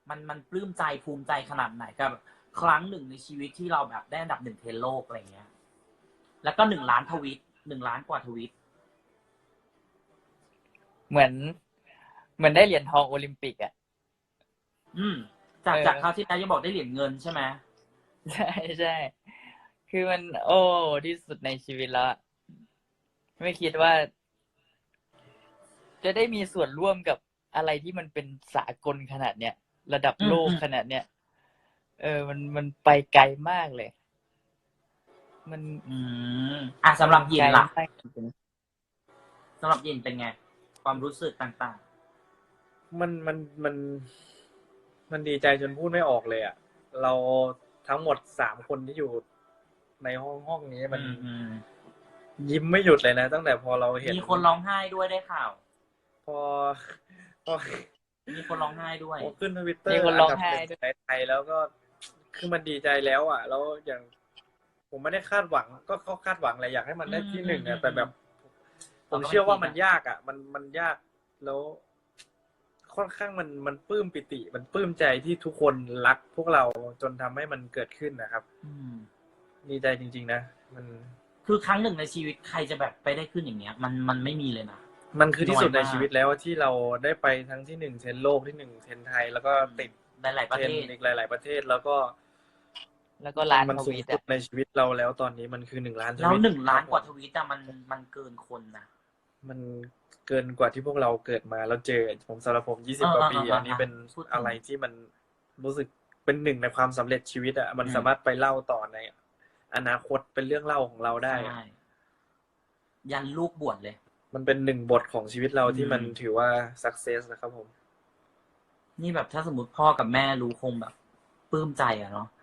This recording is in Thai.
มันปลื้มใจภูมิใจขนาดไหนกับครั้งหนึ่งในชีวิตที่เราแบบได้อันดับ1เทรนด์โลกอะไรเงี้ยแล้วก็1 ล้านทวีต1 ล้านกว่าทวีตเหมือนได้เหรียญทองโอลิมปิกอ่ะจากคราวที่แล้วยังบอกได้เหรียญเงินใช่ไหมใช่ใช่คือมันโอ้ที่สุดในชีวิตแล้วไม่คิดว่า จะได้มีส่วนร่วมกับอะไรที่มันเป็นสากลขนาดเนี้ยระดับโลกขนาดเนี้ยมันไปไกลมากเลยมันสำหรับยินล่ะไกลมากจริงสำหรับยินเป็นไงความรู้สึกต่างมันดีใจจนพูดไม่ออกเลยอ่ะเราทั้งหมด3 คนที่อยู่ในห้องนี้มันยิ้มไม่หยุดเลยนะตั้งแต่พอเราเห็นมีคนร้องไห้ด้วยได้ข่าวพอมีคนร้องไห้ด้วยพอขึ้น Twitter มีคนร้องไห้ด้วยในไทยแล้วก็คือมันดีใจแล้วอ่ะแล้วอย่างผมไม่ได้คาดหวังก็เขาคาดหวังอะไรอยากให้มันได้ที่1อ่ะแต่แบบผมเชื่อว่ามันยากอ่ะมันยากแล้วค่อนข้างมันปลื้มปิติมันปลื้มใจที่ทุกคนรักพวกเราจนทำให้มันเกิดขึ้นนะครับดีใจจริงๆนะมันคือครั้งหนึ่งในชีวิตใครจะแบบไปได้ขึ้นอย่างเงี้ยมันไม่มีเลยนะมันคือที่สุดในชีวิตแล้วที่เราได้ไปทั้งที่1เทรนด์โลกที่1เทรนด์ไทยแล้วก็ติดหลายๆประเทศอีกหลายๆประเทศแล้วก็ล้านมันทสูงวีตสุดในชีวิตเราแล้วตอนนี้มันคือ1 ล้านทแล้ววีต 1 ล้านกว่าทวีตมันเกินคนนะมันเกินกว่าที่พวกเราเกิดมาแล้วเจอผมสำหรับผม20 กว่าปีอันนี้เป็นอะไรที่มันรู้สึกเป็นหนึ่งในความสำเร็จชีวิตอ่ะมันสามารถไปเล่าต่อในอนาคตเป็นเรื่องเล่าของเราได้ยันลูกบวชเลยมันเป็น1 บทของชีวิตเราที่มันถือว่า success นะครับผมนี่แบบถ้าสมมติพ่อกับแม่รู้คงแบบปลื้มใจอะเนาะ